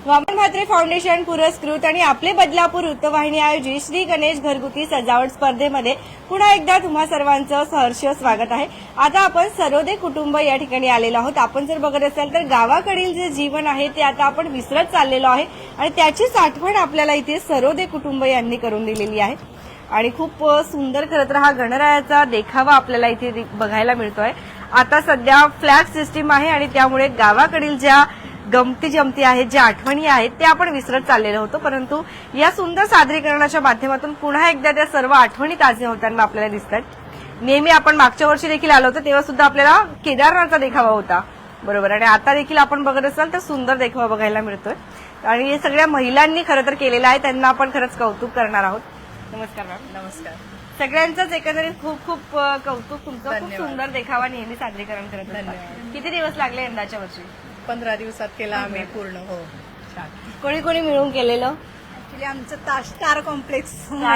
Vaman Mhatre foundation पुरस्कृत आणि आपले बदलापूर वृत्तवाहिनी आयोजित श्री गणेश घरगुती सजावट स्पर्धेमध्ये पुन्हा एकदा तुम्हा सर्वांचं सहर्ष स्वागत आहे। आता आपण सरोदे कुटुंब या ठिकाणी आलेलो आहोत। आपण जर बघत असाल तर गावाकडील जे जीवन आहे ते आता आपण विसरत चाललेलो आहे आणि त्याचीच आठवण आपल्याला इथे सरोदे कुटुंब यांनी करून दिलेली आहे आणि खूप सुंदर खरं तर हा गणरायाचा देखावा आपल्याला इथे बघायला मिळतोय। आता सध्या फ्लॅग सिस्टीम आहे आणि त्यामुळे गावाकडील ज्या गमती जमती आहेत, ज्या आठवणी आहेत ते आपण विसरत चाललेलो होतो, परंतु या सुंदर सादरीकरणाच्या माध्यमातून पुन्हा एकदा त्या सर्व आठवणी ताज्या होताना आपल्याला दिसतात। नेहमी आपण मागच्या वर्षी देखील आलो होतो तेव्हा सुद्धा आपल्याला केदारनाथचा देखावा होता, बरोबर, आणि आता देखील आपण बघत असाल तर सुंदर देखावा बघायला मिळतोय आणि हे सगळ्या महिलांनी खरं तर केलेलं आहे, त्यांना आपण खरंच कौतुक करणार आहोत। नमस्कार मॅम। नमस्कार। सगळ्यांचंच एकंदरीत खूप खूप कौतुक, तुमचं खूप सुंदर देखावा नेहमी सादरीकरण करत असतात। किती दिवस लागले यंदाच्या वर्षी? 15 दिवसात केला आम्ही पूर्ण। हो, कोणी कोणी मिळून केलेलं? ऍक्च्युली आमचं स्टार कॉम्प्लेक्स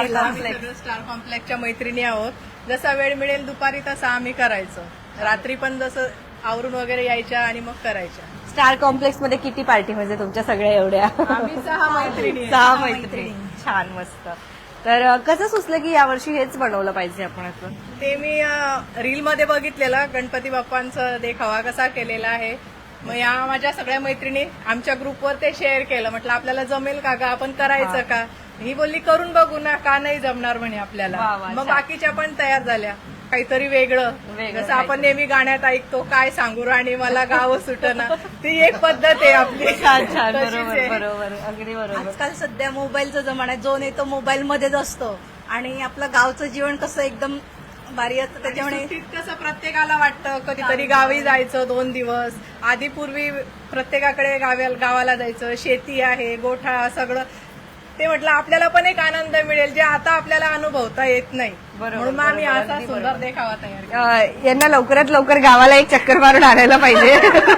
स्टार कॉम्प्लेक्सच्या मैत्रिणी आहोत। जसा वेळ मिळेल दुपारी तसा आम्ही करायचो, रात्री पण जसं आवरून वगैरे यायच्या आणि मग करायच्या। स्टार कॉम्प्लेक्स मध्ये किती पार्टी म्हणजे तुमच्या सगळ्या एवढ्या? आम्ही 6 मैत्रिणी। 6 मैत्रिणी, छान, मस्त। तर कसं सुचलं की यावर्षी हेच बनवलं पाहिजे आपण असं? ते मी रील मध्ये बघितलेलं, गणपती बाप्पांचा देखावा कसा केलेला आहे। मग या माझ्या सगळ्या मैत्रिणी आमच्या ग्रुपवर ते शेअर केलं, म्हटलं आपल्याला जमेल का ग, आपण करायचं का? ही बोलली करून बघू ना, का नाही जमणार म्हणे आपल्याला। मग बाकीच्या पण तयार झाल्या, काहीतरी वेगळं, जसं आपण नेहमी गाण्यात ऐकतो, काय सांगू राणी मला गाव सुटना, ती एक पद्धत आहे आपली। छान छान, बरोबर बरोबर, अगदी बरोबर। आजकाल सध्या मोबाईलचा जमाना आहे, जो नाही तो मोबाईल मध्येच असतो आणि आपलं गावचं जीवन कसं एकदम भारी असतं, त्याच्यामुळे कसं प्रत्येकाला वाटतं कधीतरी गावी जायचं 2 दिवस। आधी पूर्वी प्रत्येकाकडे गावाला जायचं, शेती आहे, गोठा सगळं, ते म्हटलं आपल्याला पण एक आनंद मिळेल जे आता आपल्याला अनुभवता येत नाही, म्हणून आम्ही असा सुंदर देखावा तयार केला। यांना लवकरात लवकर गावाला एक चक्कर मारून आणायला पाहिजे,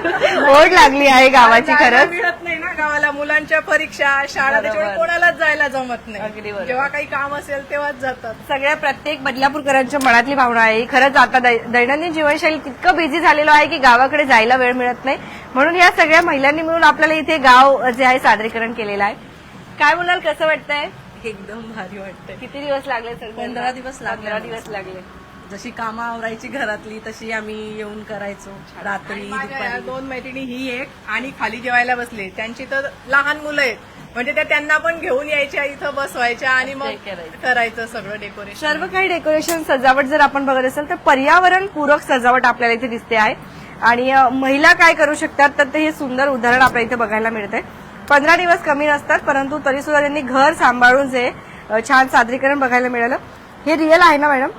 ओढ लागली आहे गावाची खरंच। मिळत नाही ना गावाला, मुलांच्या परीक्षा, शाळा, त्याच्यामुळे कोणालाच जायला जमत नाही। जेव्हा काही काम असेल तेव्हाच जातात। सगळ्या प्रत्येक बदलापूरकरांच्या मनातली भावना आहे खरंच। आता दैनंदिन जीवनशैली तितकं बिझी झालेलं आहे की गावाकडे जायला वेळ मिळत नाही, म्हणून या सगळ्या महिलांनी मिळून आपल्याला इथे गाव जे आहे सादरीकरण केलेलं आहे। काय बोलाल, कसं वाटतंय? एकदम भारी वाटतंय। किती दिवस लागले सर? 15 दिवस लागले। 15 दिवस लागले। जशी कामं आवरायची घरातली तशी आम्ही येऊन करायचो, रात्री माझ्या 2 मैत्रिणी, ही एक आणि खाली जेवायला बसले, त्यांची तर लहान मुलं आहेत, म्हणजे त्या त्यांना पण घेऊन यायच्या, इथं बसवायच्या आणि मग करायचं सगळं डेकोरेशन। सर्व काही डेकोरेशन सजावट जर आपण बघत असेल तर पर्यावरण पूरक सजावट आपल्याला इथे दिसते आहे आणि महिला काय करू शकतात तर ते हे सुंदर उदाहरण आपल्याला इथे बघायला मिळतंय। 15 दिवस कमी नसतात, परंतु तरी सुद्धा त्यांनी घर सांभाळून जे छान सादरीकरण बघायला मिळालं। हे रिअल आहे ना मॅडम?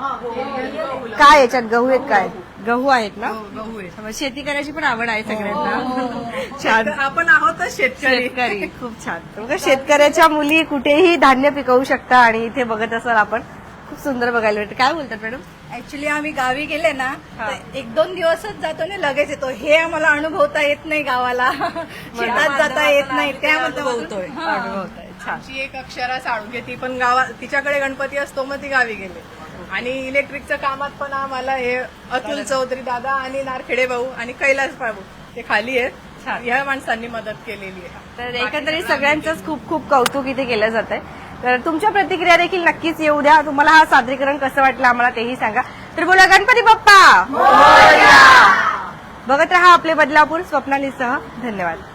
काय याच्यात गहू आहेत? काय गहू आहेत ना? गहू आहे। शेती करायची पण आवड आहे सगळ्यांना, छान। आपण आहोतच शेतकरी। खूप छान। बघा, शेतकऱ्याच्या मुली कुठेही धान्य पिकवू शकता आणि इथे बघत असाल आपण खूप सुंदर बघायला मिळतं। काय बोलतात मॅडम? ऍक्च्युली आम्ही गावी गेले ना तर 1-2 दिवसच जातो ना, लगेच येतो। हे आम्हाला अनुभवता येत नाही गावाला, शेतात जाता येत नाही, त्यामध्ये अनुभवतोय। आमची एक अक्षरा साळुंखे, ती पण गावात, तिच्याकडे गणपती असतो, मग ती गावी गेले। आणि इलेक्ट्रिकच्या कामात पण आम्हाला हे अतुल चौधरी दादा आणि नारखेडे भाऊ आणि कैलास बाबू ते खाली आहेत, ह्या माणसांनी मदत केलेली आहे। तर एकंदरीत सगळ्यांचंच खूप खूप कौतुक इथे केलं जात आहे। तर तुमच्या प्रतिक्रिया देखील नक्कीच येऊ द्या। तुम्हाला हा सादरीकरण कसं वाटलं आम्हाला तेही सांगा। तर बोला गणपती बाप्पा मोरया। बघत रहा आपले बदलापूर स्वप्नालीसह। धन्यवाद।